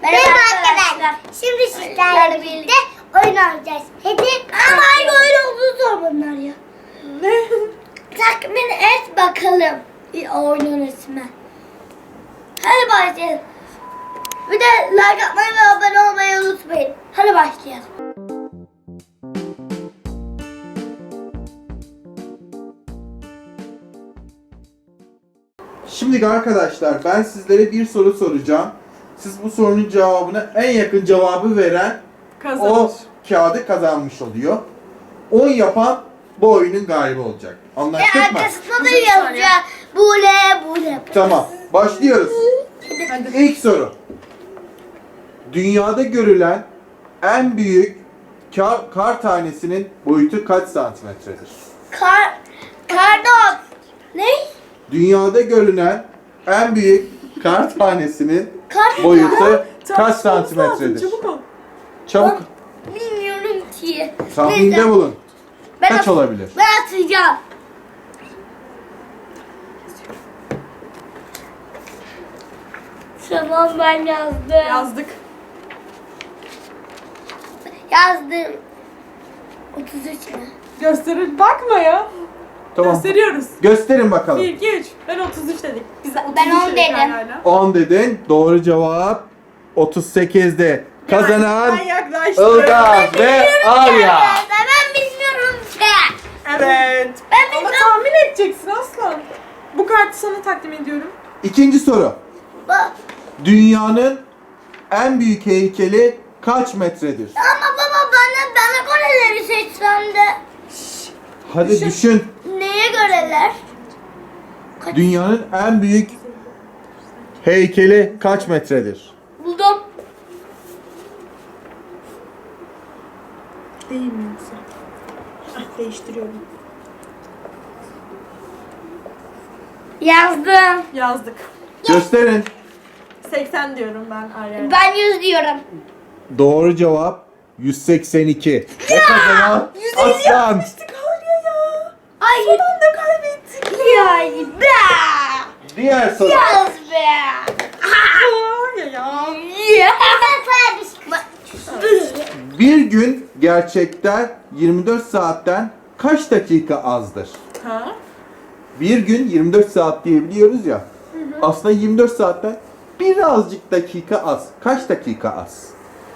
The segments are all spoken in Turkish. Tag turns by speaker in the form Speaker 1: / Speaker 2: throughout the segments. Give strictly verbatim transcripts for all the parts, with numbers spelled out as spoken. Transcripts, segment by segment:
Speaker 1: Merhaba arkadaşlar. Şimdi sizlerle birlikte oyun oynayacağız. Hadi. Ama hangi oyun olduğunu sor bunlar ya. Tahmin et bakalım. Oyunun ismi. Hadi başlayalım. Bir de like atmayı ve abone olmayı unutmayın. Hadi başlayalım.
Speaker 2: Şimdi arkadaşlar ben sizlere bir soru soracağım. Siz bu sorunun cevabına en yakın cevabı veren
Speaker 3: Kazanır.
Speaker 2: o kağıdı kazanmış oluyor. on yapan bu oyunun galibi olacak.
Speaker 1: Ve
Speaker 2: Anlaştık mı?
Speaker 1: arkasında da yazacağım. Bule bule.
Speaker 2: Tamam. Başlıyoruz.
Speaker 3: Hadi.
Speaker 2: İlk soru. Dünyada görülen en büyük kar, kar tanesinin boyutu kaç santimetredir?
Speaker 1: Kar, kardon. Ne?
Speaker 2: Dünyada görülen en büyük kar tanesinin
Speaker 1: Kar
Speaker 2: boyutu kaç
Speaker 3: Tartışmamız
Speaker 2: santimetredir?
Speaker 3: lazım, Çabuk ol.
Speaker 2: Çabuk
Speaker 1: Bilmiyorum ki.
Speaker 2: tahminde
Speaker 1: Neyse,
Speaker 2: bulun.
Speaker 1: ben
Speaker 2: Kaç
Speaker 1: at-
Speaker 2: olabilir?
Speaker 1: Ben atacağım. Tamam ben yazdım.
Speaker 3: Yazdık.
Speaker 1: Yazdım. otuz üç mü?
Speaker 3: Gösterir. Bakma ya.
Speaker 2: Tamam.
Speaker 3: Gösteriyoruz.
Speaker 2: Gösterin bakalım.
Speaker 3: bir, iki, üç. Ben otuz üç dedik. Biz
Speaker 1: Ben
Speaker 3: otuz üç
Speaker 1: on
Speaker 3: dedik
Speaker 1: dedim.
Speaker 3: hala.
Speaker 2: on dedin. Doğru cevap otuz sekizde. Kazanan
Speaker 3: Ben yaklaştım.
Speaker 2: Ilgaz ve Arya.
Speaker 1: Ben bilmiyorum ki.
Speaker 3: Evet.
Speaker 1: Ben
Speaker 3: Ama
Speaker 1: bilmem.
Speaker 3: tahmin edeceksin aslan. Bu kartı sana takdim ediyorum.
Speaker 2: İkinci soru.
Speaker 1: Bak.
Speaker 2: Dünyanın en büyük heykeli kaç metredir?
Speaker 1: Ama baba bana bana göreleri seçsen de.
Speaker 2: Hadi
Speaker 3: Düşün.
Speaker 2: düşün.
Speaker 1: Neye göreler?
Speaker 2: Dünyanın en büyük heykeli kaç metredir?
Speaker 1: Buldum.
Speaker 3: Değil mi yoksa? Ah, değiştiriyorum.
Speaker 1: Yazdım.
Speaker 3: Yazdık.
Speaker 2: Gösterin.
Speaker 3: seksen diyorum ben Arya'ya.
Speaker 1: Ben yüz diyorum.
Speaker 2: Doğru cevap yüz seksen iki. Ve kazanan Aslan.
Speaker 3: Yapmıştık Arya ya.
Speaker 1: Ay.
Speaker 3: Son anda kaybettik.
Speaker 1: Ya be.
Speaker 2: Diğer soru.
Speaker 1: Yaz be.
Speaker 3: Arya ya.
Speaker 1: Ya. Ben sana
Speaker 2: Bir gün gerçekten yirmi dört saatten kaç dakika azdır?
Speaker 3: Ha?
Speaker 2: Bir gün yirmi dört saat diyebiliyoruz ya. Aslında yirmi dört saatten birazcık dakika az. Kaç dakika az?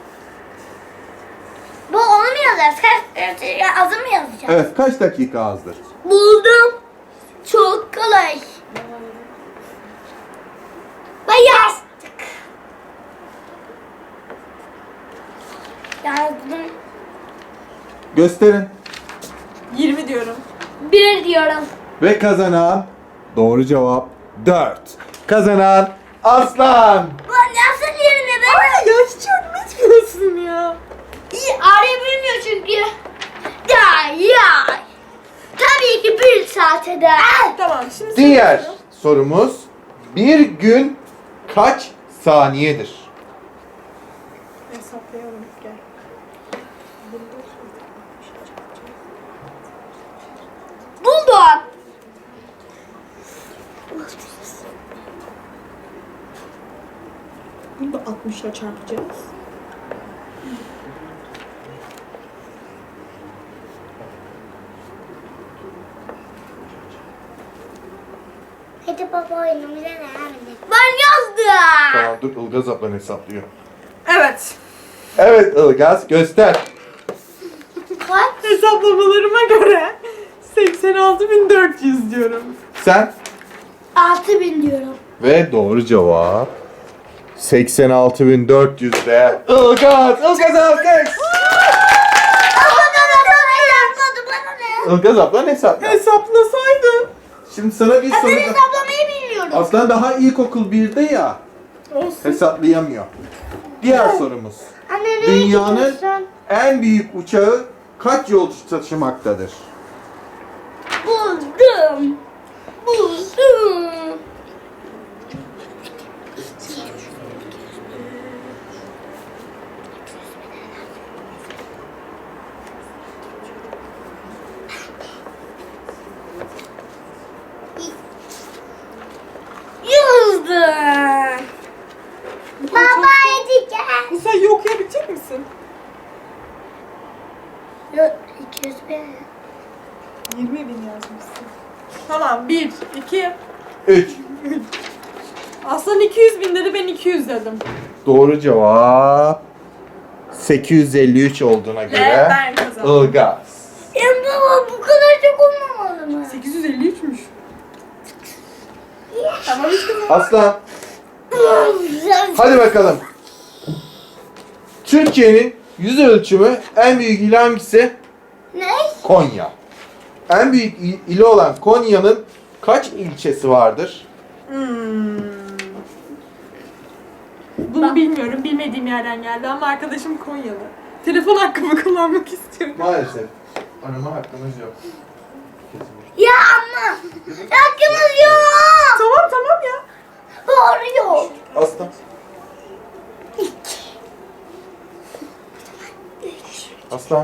Speaker 1: Bu onu mu yazacağız? Kaç, ya, azı mı yazacağız?
Speaker 2: Evet, kaç dakika azdır?
Speaker 1: Buldum. Çok kolay. Ben yazdık. Yazdım.
Speaker 2: Gösterin.
Speaker 3: yirmi diyorum.
Speaker 1: Bir diyorum.
Speaker 2: Ve kazanan doğru cevap dört. Kazanan Aslan.
Speaker 1: Lan nasıl yerine ben?
Speaker 3: Arya ya hiç yardım etmiyorsun ya.
Speaker 1: İyi arayabiliyor çünkü. Ya ya. Tabii ki bir saat eder.
Speaker 3: Tamam şimdi
Speaker 2: Diğer
Speaker 3: soruyorum.
Speaker 2: sorumuz bir gün kaç saniyedir?
Speaker 3: Hesaplayalım gel.
Speaker 1: Buldum.
Speaker 3: Bunu da altmışla çarpacağız.
Speaker 1: Hadi baba oyunumuza devam edelim. Ben yazdım.
Speaker 2: Tamam dur Ilgaz ablan hesaplıyor.
Speaker 3: Evet.
Speaker 2: Evet Ilgaz göster.
Speaker 1: Kaç?
Speaker 3: Hesaplamalarıma göre seksen altı bin dört yüz diyorum.
Speaker 2: Sen?
Speaker 1: Altı bin diyorum.
Speaker 2: Ve doğru cevap seksen altı bin dört yüzde Ilgaz. Ilgaz alkış.
Speaker 1: Ama baba bana yazmadı bana ne?
Speaker 2: Ilgaz ablan hesaplıyor.
Speaker 3: Hesaplasaydın.
Speaker 2: Şimdi sana bir
Speaker 1: Ben
Speaker 2: soru.
Speaker 1: hesaplamayı bilmiyorum.
Speaker 2: Aslan daha ilkokul birde ya.
Speaker 3: Olsun.
Speaker 2: Hesaplayamıyor. Diğer sorumuz.
Speaker 1: Anne nereye
Speaker 2: Dünyanın
Speaker 1: gidiyorsun?
Speaker 2: en büyük uçağı kaç yolcu taşımaktadır?
Speaker 1: Buldum. Buldum. Yazdım. Baba hadi gel.
Speaker 3: yazdım.
Speaker 1: Yok iki yüz bin.
Speaker 3: yirmi bin yazmışsın. Tamam bir, iki.
Speaker 2: üç.
Speaker 3: Aslan iki yüz bin dedi, ben iki yüz dedim.
Speaker 2: Doğru cevap sekiz yüz elli üç olduğuna
Speaker 3: Ve
Speaker 2: göre
Speaker 3: ben kazandım.
Speaker 2: Ilgaz.
Speaker 1: Ya baba bu kadar çok olmamalı mı?
Speaker 3: sekiz yüz elli üçmüş. Tamam işte.
Speaker 2: Aslan hadi bakalım. Türkiye'nin yüz ölçümü en büyük ili hangisi?
Speaker 1: Ne?
Speaker 2: Konya. En büyük il- ili olan Konya'nın kaç ilçesi vardır?
Speaker 3: Hmm. Bunu bilmiyorum, bilmediğim yerden geldi ama arkadaşım Konyalı. Telefon hakkımı kullanmak istiyorum.
Speaker 2: Maalesef. Arama hakkımız yok.
Speaker 1: Ya ama hakkımız yok.
Speaker 3: Tamam tamam ya.
Speaker 1: Doğru yok.
Speaker 2: Aslan. Aslan.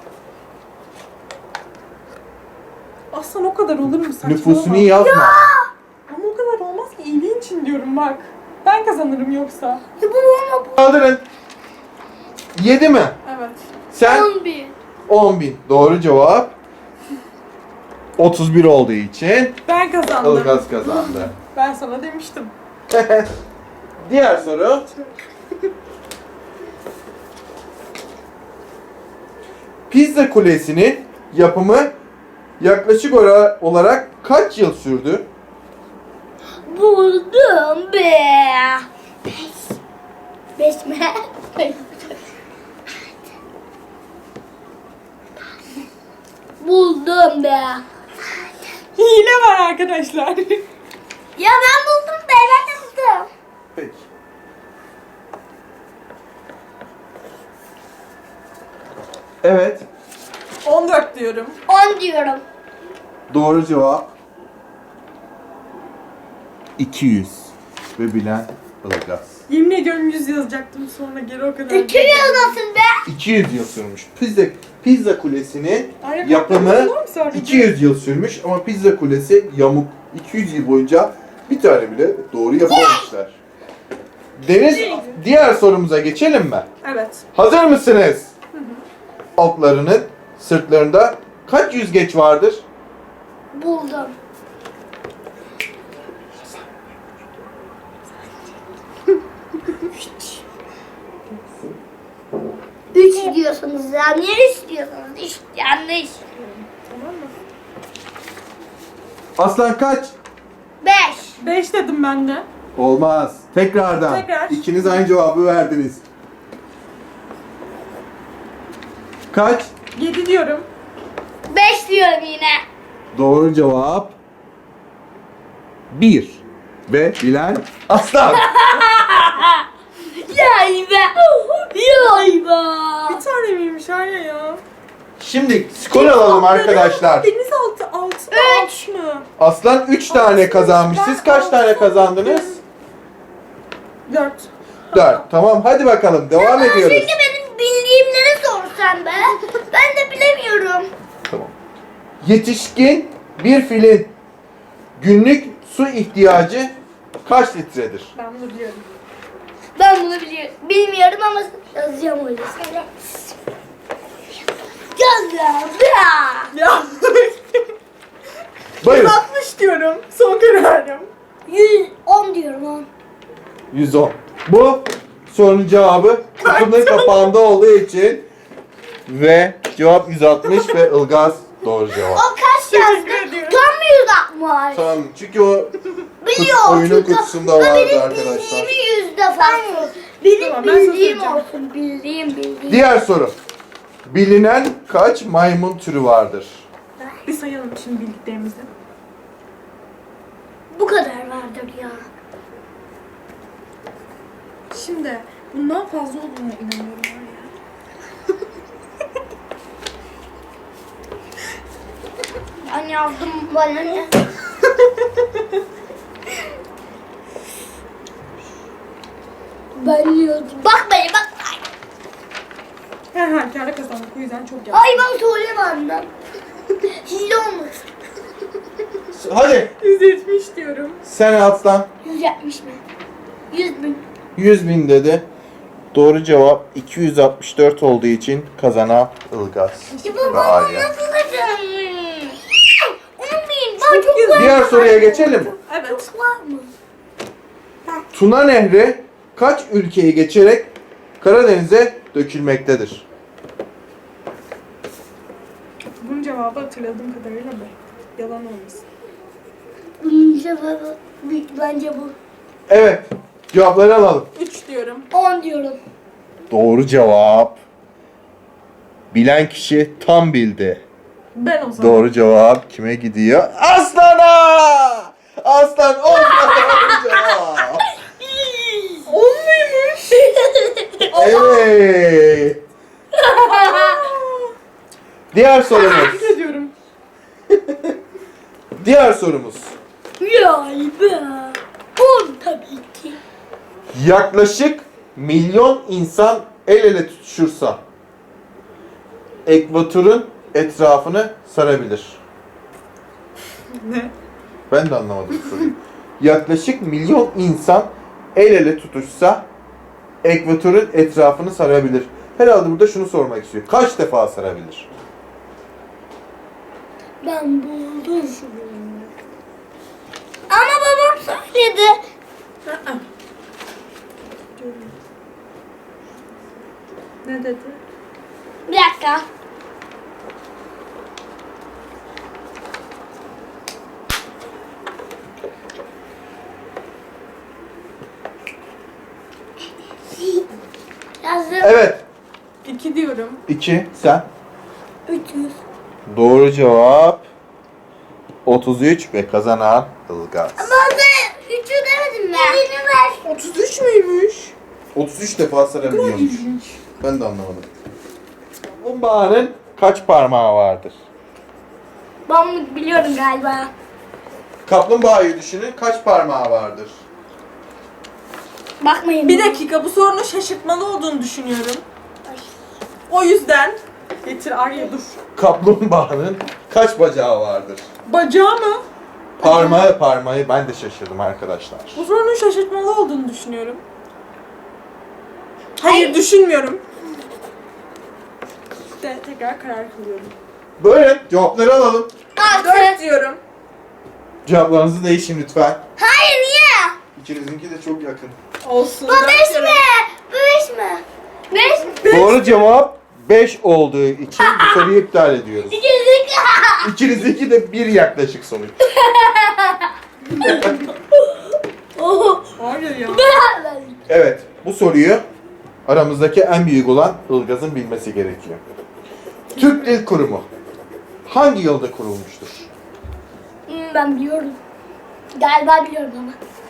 Speaker 3: Aslan o kadar olur mu saçmalama.
Speaker 2: Nüfusunu yazma.
Speaker 3: Ama o kadar olmaz ki, iyiliğin için diyorum bak. Ben kazanırım yoksa.
Speaker 1: Ya baba ama
Speaker 2: Kaldırın. yedi mi?
Speaker 3: Evet.
Speaker 2: Sen
Speaker 1: on bin.
Speaker 2: on bin. Doğru cevap. otuz bir olduğu için
Speaker 3: Ben kazandım.
Speaker 2: Ilgaz kazandı.
Speaker 3: Ben sana demiştim.
Speaker 2: Diğer soru. Pizza Kulesi'nin yapımı yaklaşık ora- olarak kaç yıl sürdü?
Speaker 1: Buldum be. Beş. Beş mi? Buldum be.
Speaker 3: Hile var arkadaşlar.
Speaker 1: Ya ben buldum be. Ben de buldum.
Speaker 2: Peki. Evet.
Speaker 3: on dört diyorum.
Speaker 1: On diyorum.
Speaker 2: Doğru cevap iki yüz. Ve bilen Ilgaz.
Speaker 3: Yemin ediyorum yüz yazacaktım, sonra geri o kadar.
Speaker 1: İki yıl nasıl be?
Speaker 2: iki yüz yıl sürmüş. Pizza, Pizza Kulesi'nin
Speaker 3: Ay,
Speaker 2: yapımı
Speaker 3: yapmadınız mı sadece?
Speaker 2: iki yüz yıl sürmüş ama Pizza Kulesi yamuk. iki yüz yıl boyunca bir tane bile doğru yapamamışlar. Deniz, diğer sorumuza geçelim mi?
Speaker 3: Evet.
Speaker 2: Hazır mısınız? Altlarının sırtlarında kaç yüzgeç vardır?
Speaker 1: Buldum. Üç diyorsunuz ya. Niye üç diyorsunuz? Üç yanlış.
Speaker 3: Tamam mı?
Speaker 2: Aslan kaç?
Speaker 1: Beş.
Speaker 3: beş dedim ben de.
Speaker 2: Olmaz. Tekrardan.
Speaker 3: Tekrar.
Speaker 2: İkiniz aynı cevabı verdiniz. Kaç?
Speaker 3: yedi diyorum.
Speaker 1: Beş diyorum yine.
Speaker 2: Doğru cevap bir. Ve bilen Aslan.
Speaker 1: Yay be. Yay be.
Speaker 3: Bir tane miymiş Arya ya?
Speaker 2: Şimdi skor alalım arkadaşlar.
Speaker 3: Denizaltı altı
Speaker 1: Üç.
Speaker 3: alt mı?
Speaker 2: Aslan üç tane kazanmış. Siz kaç tane kazandınız?
Speaker 3: dört.
Speaker 2: dört. Tamam hadi bakalım devam ediyoruz.
Speaker 1: Çünkü benim bildiğimleri sorsan be. Ben de bilemiyorum.
Speaker 2: Tamam. Yetişkin bir filin günlük su ihtiyacı kaç litredir?
Speaker 3: Ben bunu biliyorum.
Speaker 1: Ben bunu biliyorum. Bilmiyorum ama yazacağım öyle. Söyle. Yazdım ya.
Speaker 3: Ya.
Speaker 2: Buyurun.
Speaker 3: altmış diyorum. Son kararım.
Speaker 1: Yüz on diyorum on.
Speaker 2: yüz on. Bu sorunun cevabı kutunun kapağında olduğu için ve cevap yüz altmış ve Ilgaz doğru cevap.
Speaker 1: O kaç yazdı?
Speaker 3: Teşekkür ediyorum.
Speaker 1: Tam yüz altmış.
Speaker 2: Tamam çünkü o
Speaker 1: Biliyor.
Speaker 2: oyunun
Speaker 1: çünkü
Speaker 2: kutusunda
Speaker 1: o
Speaker 2: vardı
Speaker 1: benim
Speaker 2: arkadaşlar.
Speaker 1: bildiğimi yüz defa sor. Benim
Speaker 3: Tamam, ben sana
Speaker 1: bildiğim
Speaker 3: soracağım.
Speaker 1: olsun. Bildiğim bildiğim.
Speaker 2: Diğer soru. Bilinen kaç maymun türü vardır?
Speaker 3: Bir sayalım şimdi bildiklerimizi.
Speaker 1: Bu kadar vardır ya.
Speaker 3: Şimdi bundan fazla olduğuna inanıyorum Arya.
Speaker 1: Ben yazdım bana ne? Ben yazdım. Bak beni bak.
Speaker 3: Her halükarda kazandık, o yüzden çok yazdım.
Speaker 1: Ay ben söylemem. Hile olmasın.
Speaker 2: Hadi
Speaker 3: yüz yetmiş diyorum.
Speaker 2: sen Aslan
Speaker 1: Yüz yetmiş mi? Yüz bin.
Speaker 2: yüz bin dedi. Doğru cevap iki yüz altmış dört olduğu için kazanan Ilgaz
Speaker 1: Ya
Speaker 2: ve
Speaker 1: baba
Speaker 2: Arya.
Speaker 1: nasıl kazanmış? on bin. Daha çok
Speaker 3: güzel.
Speaker 1: var.
Speaker 2: Diğer soruya geçelim.
Speaker 3: Evet.
Speaker 1: Çok var mı?
Speaker 2: Tuna Nehri kaç ülkeyi geçerek Karadeniz'e dökülmektedir?
Speaker 3: Bunun cevabı hatırladığım kadarıyla bu. Yalan olmasın.
Speaker 1: Hmm, cevabı büyük bence bu.
Speaker 2: Evet. Cevapları alalım.
Speaker 3: üç diyorum.
Speaker 1: on diyorum.
Speaker 2: Doğru cevap. Bilen kişi tam bildi.
Speaker 3: Ben o zaman.
Speaker 2: Doğru cevap kime gidiyor? Aslan'a! Aslan olmadı doğru cevap.
Speaker 3: on muymuş?
Speaker 2: Evet. Diğer sorumuz.
Speaker 3: Tebrik ediyorum.
Speaker 2: Diğer sorumuz.
Speaker 1: Ya be. on tabii ki.
Speaker 2: Yaklaşık milyon insan el ele tutuşursa ekvatorun etrafını sarabilir.
Speaker 3: Ne?
Speaker 2: Ben de anlamadım bu soruyu. Yaklaşık milyon insan el ele tutuşsa ekvatorun etrafını sarabilir. Herhalde burada şunu sormak istiyor. Kaç defa sarabilir?
Speaker 1: Ben buldum. Ama babam söyledi.
Speaker 3: Aa. Ne dedi?
Speaker 1: Bir dakika. Yazdım.
Speaker 2: Evet.
Speaker 3: iki diyorum.
Speaker 2: iki. Sen.
Speaker 1: üç yüz.
Speaker 2: Doğru cevap otuz üç ve kazanan Ilgaz.
Speaker 1: Ama ben üçü demedim ben. Birini ver.
Speaker 3: otuz üç müymüş?
Speaker 2: otuz üç defa sarabiliyormuş.
Speaker 3: İlginç.
Speaker 2: Ben de anlamadım. Kaplumbağanın kaç parmağı vardır?
Speaker 1: Ben biliyorum galiba.
Speaker 2: Kaplumbağayı düşünün, kaç parmağı vardır?
Speaker 1: Bakmayın.
Speaker 3: Bir dakika, bu sorunun şaşırtmalı olduğunu düşünüyorum.
Speaker 1: Ay.
Speaker 3: O yüzden getir Arya dur.
Speaker 2: Kaplumbağanın kaç bacağı vardır?
Speaker 3: Bacağı mı?
Speaker 2: Parmağı parmağı ben de şaşırdım arkadaşlar.
Speaker 3: Bu sorunun şaşırtmalı olduğunu düşünüyorum. Hayır, düşünmüyorum. De, tekrar karar kılıyorum.
Speaker 2: Böyle cevapları alalım.
Speaker 3: dört
Speaker 1: Altı.
Speaker 3: diyorum.
Speaker 2: Cevaplarınızı değişin lütfen.
Speaker 1: Hayır niye?
Speaker 2: İkinizinki de çok yakın.
Speaker 3: Olsun.
Speaker 1: Bu
Speaker 3: dört
Speaker 1: beş
Speaker 3: diyorum.
Speaker 1: mi? Bu beş mi? Beş mi?
Speaker 2: Doğru cevap beş olduğu için bu soruyu iptal ediyoruz.
Speaker 1: Gerizekalı.
Speaker 2: İkinizdeki de bir yaklaşık sonuç.
Speaker 1: Oh.
Speaker 3: Hayır ya.
Speaker 2: Evet, bu soruyu aramızdaki en büyük olan Ilgaz'ın bilmesi gerekiyor. Türk Dil Kurumu hangi yılda kurulmuştur?
Speaker 1: Hmm, ben biliyorum. Galiba biliyorum ama.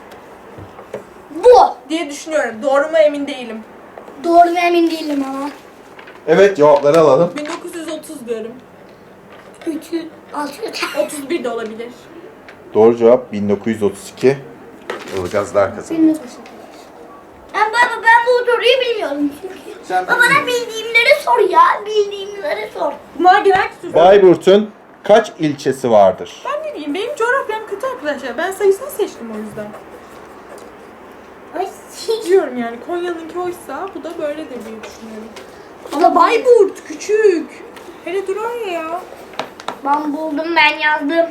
Speaker 1: Bu.
Speaker 3: Diye düşünüyorum. Doğru mu emin değilim.
Speaker 1: Doğru mu emin değilim ama.
Speaker 2: Evet, cevapları alalım.
Speaker 3: bin dokuz yüz otuz diyorum.
Speaker 1: üç yüz, altı yüz.
Speaker 3: otuz bir de olabilir.
Speaker 2: Doğru cevap bin dokuz yüz otuz iki. Ilgazlar kazandı.
Speaker 1: Ben baba ben bu soruyu bilmiyorum çünkü.
Speaker 2: Sen
Speaker 1: Baba bana bildiğimleri sor ya. Bildiğimleri sor.
Speaker 3: Bunlar genel kültür.
Speaker 2: Bayburt'un kaç ilçesi vardır?
Speaker 3: Ben ne diyeyim? Benim coğrafyam kötü arkadaşlar. Ben sayısal seçtim o yüzden.
Speaker 1: Ay.
Speaker 3: Diyorum yani Konya'nınki oysa bu da böyledir diye düşünüyorum. Ama Bayburt küçük. Hele dur oraya ya.
Speaker 1: Ben buldum ben yazdım.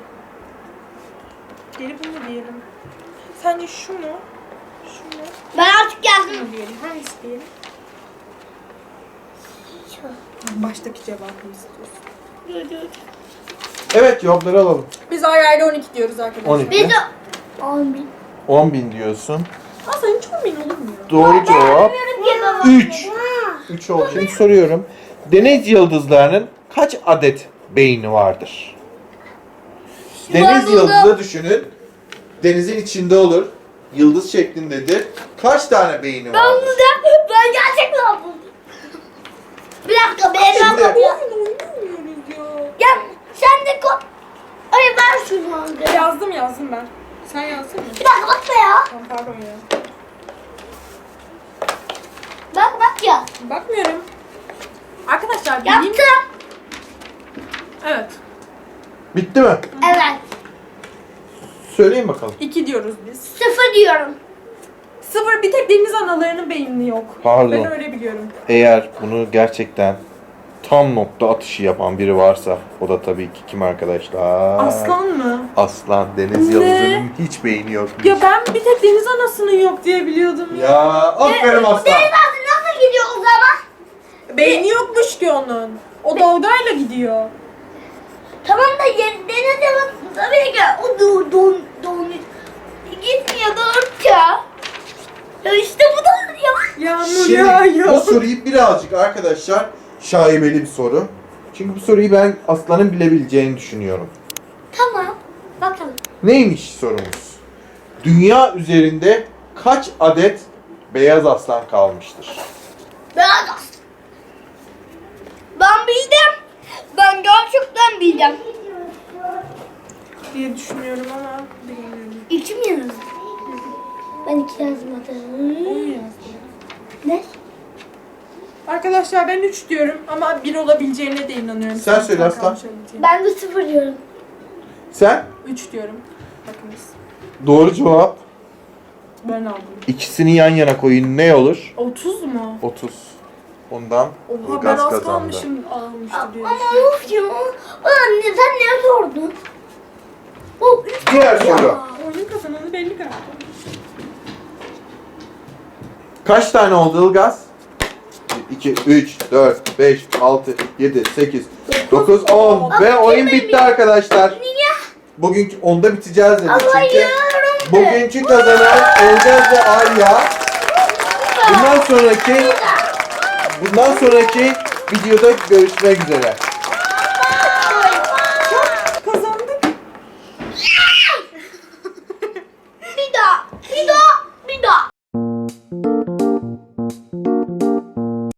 Speaker 3: Geri bunu diyelim. Sence şu mu? Şu mu?
Speaker 1: Ben artık yazdım.
Speaker 3: Şunu diyelim. Hangisi diyelim? Baştaki cevabını istiyorsun.
Speaker 2: Evet, cevapları alalım.
Speaker 3: Biz ayrı ayrı on iki diyoruz arkadaşlar.
Speaker 2: on iki.
Speaker 1: Biz de on bin.
Speaker 2: on bin diyorsun.
Speaker 3: Aslında hiç on bin olur mu ya?
Speaker 2: Doğru cevap
Speaker 1: Bilmiyorum ki baba.
Speaker 2: üç. üç oldu. Şimdi soruyorum. Deniz yıldızlarının kaç adet beyni vardır? Deniz
Speaker 1: buldum.
Speaker 2: yıldızı düşünün. Denizin içinde olur. Yıldız şeklindedir. Kaç tane beyni
Speaker 1: Ben
Speaker 2: vardır?
Speaker 1: buldum. Ben gerçekten buldum. Bir dakika ben
Speaker 2: Şimdi-
Speaker 1: yazdım ya.
Speaker 3: Oyun oynamıyoruz ya.
Speaker 1: Gel sen de ko... Ay ben şunu aldım.
Speaker 3: Yazdım yazdım ben. Sen yazdın mı?
Speaker 1: Bir dakika bakma ya.
Speaker 3: Tamam pardon ya.
Speaker 1: Bak bak ya.
Speaker 3: Bakmıyorum. Arkadaşlar bileyim.
Speaker 1: Yaptım.
Speaker 3: Evet.
Speaker 2: Bitti mi?
Speaker 1: Evet.
Speaker 2: Söyleyin bakalım.
Speaker 3: iki diyoruz biz.
Speaker 1: Sıfır diyorum.
Speaker 3: Sıfır, bir tek deniz analarının beyni yok.
Speaker 2: Pardon.
Speaker 3: Ben öyle biliyorum.
Speaker 2: Eğer bunu gerçekten tam nokta atışı yapan biri varsa o da tabii ki kim arkadaşlar?
Speaker 3: Aslan mı?
Speaker 2: Aslan. Deniz
Speaker 3: Ne?
Speaker 2: yıldızının hiç beyni yokmuş.
Speaker 3: Ya ben bir tek deniz anasının yok diye biliyordum ya.
Speaker 2: Ya aferin aslan.
Speaker 1: Deniz anası nasıl gidiyor o zaman?
Speaker 3: Beyni yokmuş ki onun. O dalgayla gidiyor.
Speaker 1: Tamam da yer- deniz anası tabii ki o don don don gitmiyor doğruca. Ya işte bu da ya.
Speaker 3: Yağmur
Speaker 2: Şimdi
Speaker 3: yağıyor.
Speaker 2: bu soruyu birazcık arkadaşlar şaibeli bir soru. Çünkü bu soruyu ben aslanın bilebileceğini düşünüyorum.
Speaker 1: Tamam. Bakalım.
Speaker 2: Neymiş sorumuz? Dünya üzerinde kaç adet beyaz aslan kalmıştır?
Speaker 1: Ben Ben bildim. Ben gerçekten bildim.
Speaker 3: diye düşünüyorum ama bilmiyorum.
Speaker 1: İki mi yazdın? Ben iki yazmadım.
Speaker 3: Onu yazdım.
Speaker 1: Ne?
Speaker 3: Arkadaşlar ben üç diyorum ama bir olabileceğine de inanıyorum.
Speaker 2: Sen söyle Aslan.
Speaker 1: Ben de sıfır diyorum.
Speaker 2: Sen?
Speaker 3: üç diyorum. Bakınız.
Speaker 2: Doğru cevap.
Speaker 3: Ben aldım.
Speaker 2: İkisini yan yana koyun ne olur?
Speaker 3: otuz mu?
Speaker 2: otuz. Ondan
Speaker 3: Oha ben
Speaker 2: Ilgaz
Speaker 3: az
Speaker 2: kazandı.
Speaker 3: kalmışım almıştı diye
Speaker 1: Ama
Speaker 3: düşünüyorum.
Speaker 1: of ya. Anne sen ne sordun? O üç
Speaker 2: Diğer
Speaker 1: ya.
Speaker 2: soru.
Speaker 3: Oyunun kazananı belli galiba.
Speaker 2: Kaç tane oldu Ilgaz? iki, üç, dört, beş, altı, yedi, sekiz, dokuz, on ve oyun bitti arkadaşlar.
Speaker 1: Niye?
Speaker 2: Bugünkü onda biteceğiz dedik
Speaker 1: Ama
Speaker 2: çünkü.
Speaker 1: yarım.
Speaker 2: Bugünkü kazanan Ilgaz ve Arya. Bundan sonraki bundan sonraki videoda görüşmek üzere.